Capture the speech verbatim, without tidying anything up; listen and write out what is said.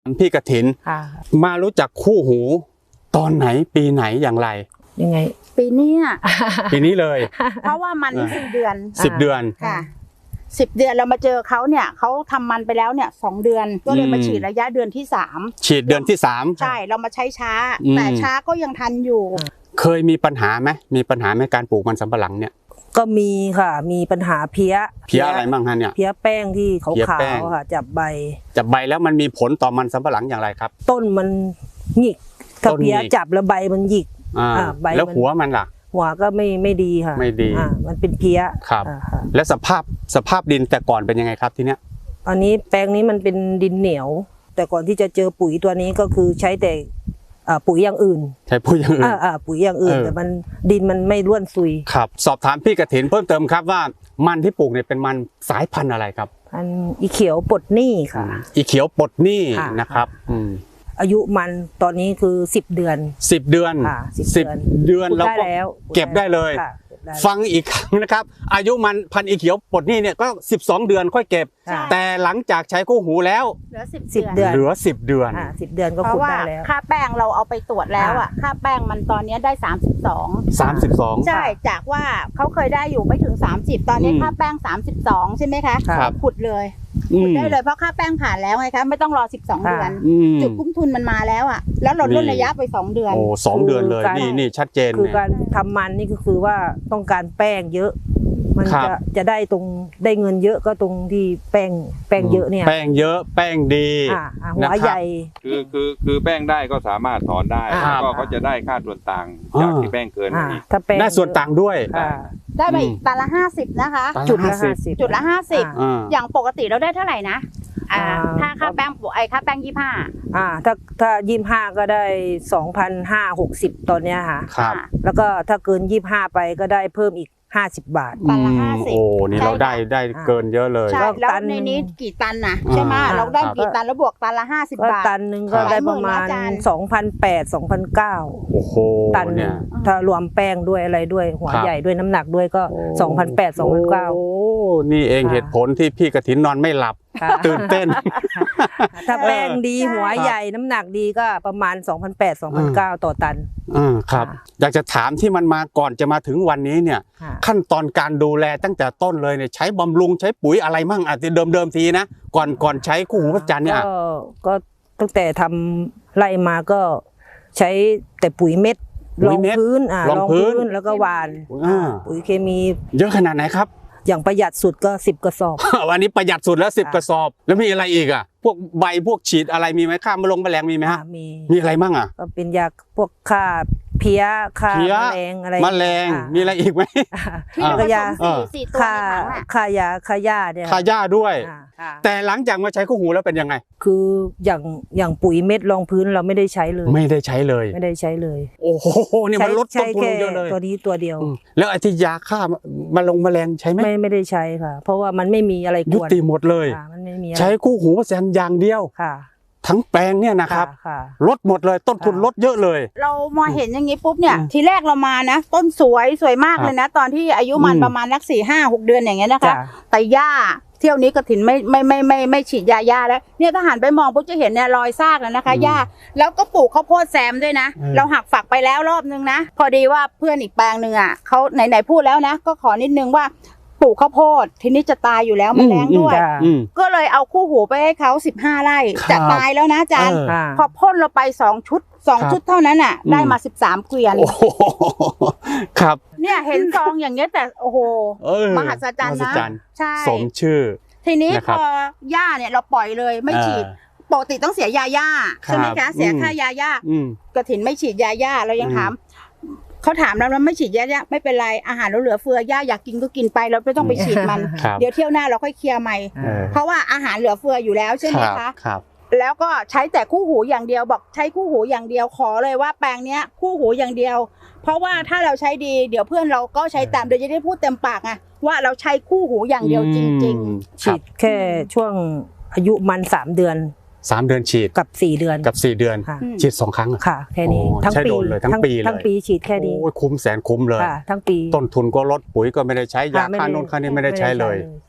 พี่กฐินมารู้จักคู่หูตอนไหนปีไหนอย่างไรยังไงปีนี้ปีนี้เลยเพราะว่ามันสิบเดือนสิบเดือนค่ะสิบเดือนเรามาเจอเขาเนี่ยเขาทำมันไปแล้วเนี่ยสองเดือนก็เลยมาฉีดระยะเดือนที่สามฉีดเดือนที่สามใช่เรามาใช้ช้าแต่ช้าก็ยังทันอยู่เคยมีปัญหาไหมมีปัญหาในการปลูกมันสำปะหลังเนี่ยก็มีค่ะมีปัญหาเพี้ยเพี้ยอะไรบ้างฮะเนี่ยเพี้ยแป้งที่ขาวๆค่ะจับใบจับใบแล้วมันมีผลต่อมันสำปะหลังอย่างไรครับต้นมันหยิกถ้าเพี้ยจับแล้วใบมันหยิกใบแล้วหัวมันล่ะหัวก็ไม่ไม่ดีค่ะไม่ดีมันเป็นเพี้ยครับแล้วสภาพสภาพดินแต่ก่อนเป็นยังไงครับทีเนี้ยตอนนี้แปลงนี้มันเป็นดินเหนียวแต่ก่อนที่จะเจอปุ๋ยตัวนี้ก็คือใช้แต่ปุ๋ยอย่างอื่นใช้ปุ๋ยอย่างอื่นปุ๋ยอย่างอื่นแต่มันดินมันไม่ร่วนซุยครับสอบถามพี่กฐินเพิ่มเติมครับว่ามันที่ปลูกเนี่ยเป็นมันสายพันธุ์อะไรครับพันธุ์อีเขียวปลดหนี้ค่ะอีเขียวปลดหนี้นะครับอายุมันตอนนี้คือสิบเดือนสิบเดือนสิบเดือนเราก็เก็บได้เลยฟังอีกครั้งนะครับอายุมันพันธุ์อีเขียวปลดหนี้เนี่ยก็สิบสองเดือนค่อยเก็บแต่หลังจากใช้คู่หูแล้วเหลือสิบเดือนเหลือสิบเดือนสิบเดือนก็ขุดได้แล้วค่าแป้งเราเอาไปตรวจแล้วอ่ะค่าแป้งมันตอนนี้ได้สามสิบสองสามสิบสองใช่จากว่าเขาเคยได้อยู่ไม่ถึงสามสิบตอนนี้ค่าแป้งสามสิบสองใช่ไหมคะขุดเลยขุดได้เลยเพราะค่าแป้งผ่านแล้วไงคะไม่ต้องรอสิบสองเดือนจุดคุ้มทุนมันมาแล้วอ่ะแล้วเราลดระยะไปสองเดือนโอ้สองเดือนเลยนี่นี่ชัดเจนคือการทำมันนี่ก็คือว่าต้องการแป้งเยอะมันจะจะได้ตรงได้เงินเยอะก็ตรงที่แป้งแป้งเยอะเนี่ยแป้งเยอะแป้งดีหัวใหญ่คือคือคือแป้งได้ก็สามารถถอนได้แล้วก็เขาจะได้ค่าส่วนต่างจากที่แป้งเกินนี่ได้ส่วนต่างด้วยได้ไปตันละห้าสิบนะคะจุดละห้าสิบจุดละห้าสิบอย่างปกติเราได้เท่าไหร่นะถ้าค่าแป้งไอค่าแป้งยี่ห้าอ่าถ้าถ้ายี่ห้าก็ได้สองพันห้าหกสิบตอนเนี้ยค่ะครับแล้วก็ถ้าเกินยี่ห้าไปก็ได้เพิ่มอีกห้าสิบบาทตันละห้าสิบโอ้นี่เราได้ได้เกินเยอะเลยใช่แล้วในนี้กี่ตันนะใช่ไหมเราได้กี่ตันแล้วบวกตันละห้าสิบบาทตันหนึ่งก็ได้ประมาณสองพันแปดสองพันเก้าโอ้โหตันเนี่ยถ้ารวมแป้งด้วยอะไรด้วยหัวใหญ่ด้วยน้ำหนักด้วยก็สองพันแปดสองพันเก้าโอ้นี่เองเหตุผลที่พี่กฐินนอนไม่หลับตื่นเต้นถ้าแป้งดีหัวใหญ่น้ำหนักดีก็ประมาณ สองพันแปด สองพันเก้า ต่อตันอ่าครับอยากจะถามที่มันมาก่อนจะมาถึงวันนี้เนี่ยขั้นตอนการดูแลตั้งแต่ต้นเลยเนี่ยใช้บำรุงใช้ปุ๋ยอะไรมั่งอ่ะเดิมเดิมทีนะก่อนก่อนใช้คู่หูพระจันทร์เนี่ยก็ตั้งแต่ทำไล่มาก็ใช้แต่ปุ๋ยเม็ดรองพื้นอ่ารองพื้นแล้วก็หว่านปุ๋ยเคมีเยอะขนาดไหนครับอย่างประหยัดสุดก็สิบกระสอบวันนี้ประหยัดสุดแล้วสิบกระสอบแล้วมีอะไรอีกอ่ะพวกใบพวกฉีดอะไรมีไหมฆ่าแมลงแมลงมีไหมฮะมีมีอะไรมั่งอ่ะก็เป็นยาพวกฆ่าเพี้ยฆ่าแมลงอะไรแมลงมีอะไรอีกไหมก็ยาฆ่าฆ่ายาฆ่าหญ้าเนี่ยฆ่าหญ้าด้วยแต่หลังจากมาใช้คู่หูแล้วเป็นยังไงคืออย่างอย่างปุ๋ยเม็ดรองพื้นเราไม่ได้ใช้เลยไม่ได้ใช้เลยไม่ได้ใช้เลยโอ้โหนี่มันลดต้นทุนเยอะเลยตัวนี้ตัวเดียวแล้วไอ้ที่ยาฆ่าแมลงแมลงใช้ไหมไม่ไม่ได้ใช้ค่ะเพราะว่ามันไม่มีอะไรยุติหมดเลยใช้คู่หูแซนอย่างเดียวค่ะทั้งแปลงเนี่ยนะครับลดหมดเลยต้นทุนลดเยอะเลยเรามาเห็นอย่างนี้ปุ๊บเนี่ยทีแรกเรามานะต้นสวยสวยมากเลยนะตอนที่อายุมันประมาณนักสี่ห้าหกเดือนอย่างเงี้ยนะคะแต่หญ้าเที่ยวนี้กฐินไม่ไม่ไม่ไม่ไม่ฉีดยาหญ้าแล้วเนี่ยถ้าหันไปมองปุ๊บจะเห็นเนี่ยรอยซากแล้วนะคะหญ้าแล้วก็ปลูกข้าวโพดแซมด้วยนะเราหักฝักไปแล้วรอบนึงนะพอดีว่าเพื่อนอีกแปลงหนึ่งอ่ะเขาไหนไหนพูดแล้วนะก็ขอนิดนึงว่าปลูกข้าวโพดทีนี้จะตายอยู่แล้วมันแรงด้วยก็เลยเอาคู่หูไปให้เขาสิบห้าไร่จะตายแล้วนะอาจารย์พอพ่นเราไปสองชุดสองชุดเท่านั้นอ่ะได้มาสิบสามเกวียนครับเนี่ยเห็นซองอย่างเงี้ยแต่โอ้โหมหัศจรรย์นะใช่สมชื่อทีนี้พอหญ้าเนี่ยเราปล่อยเลยไม่ฉีดปกติต้องเสียยาหญ้าใช่ไหมคะเสียค่ายาหญ้ากฐินไม่ฉีดยาหญ้าเรายังถามเขาถามเราแล้วไม่ฉีดยาหญ้าไม่เป็นไรอาหารเราเหลือเฟือหญ้าอยากกินก็กินไปเราไม่ต้องไปฉีดมันเดี๋ยวเที่ยวหน้าเราค่อยเคลียร์ใหม่เพราะว่าอาหารเหลือเฟืออยู่แล้วใช่ไหมคะแล้วก็ใช้แต่คู่หูอย่างเดียวบอกใช้คู่หูอย่างเดียวขอเลยว่าแปลงเนี้ยคู่หูอย่างเดียวเพราะว่าถ้าเราใช้ดีเดี๋ยวเพื่อนเราก็ใช้ตามโดยจะได้พูดเต็มปากไงว่าเราใช้คู่หูอย่างเดียวจริงๆฉีดแค่ช่วงอายุมันสามเดือนสามเดือนฉีดกับสี่เดือนกับสี่เดือนฉีดสองครั้งค่ะแค่นี้ทั้งปีเลยทั้งปีเลยทั้งปีฉีดแค่นี้โอ้ยคุ้มแสนคุ้มเลยทั้งปีต้นทุนก็ลดปุ๋ยก็ไม่ได้ใช้ยาฆ่าโน่นฆ่านี่ไม่ได้ใช้เลย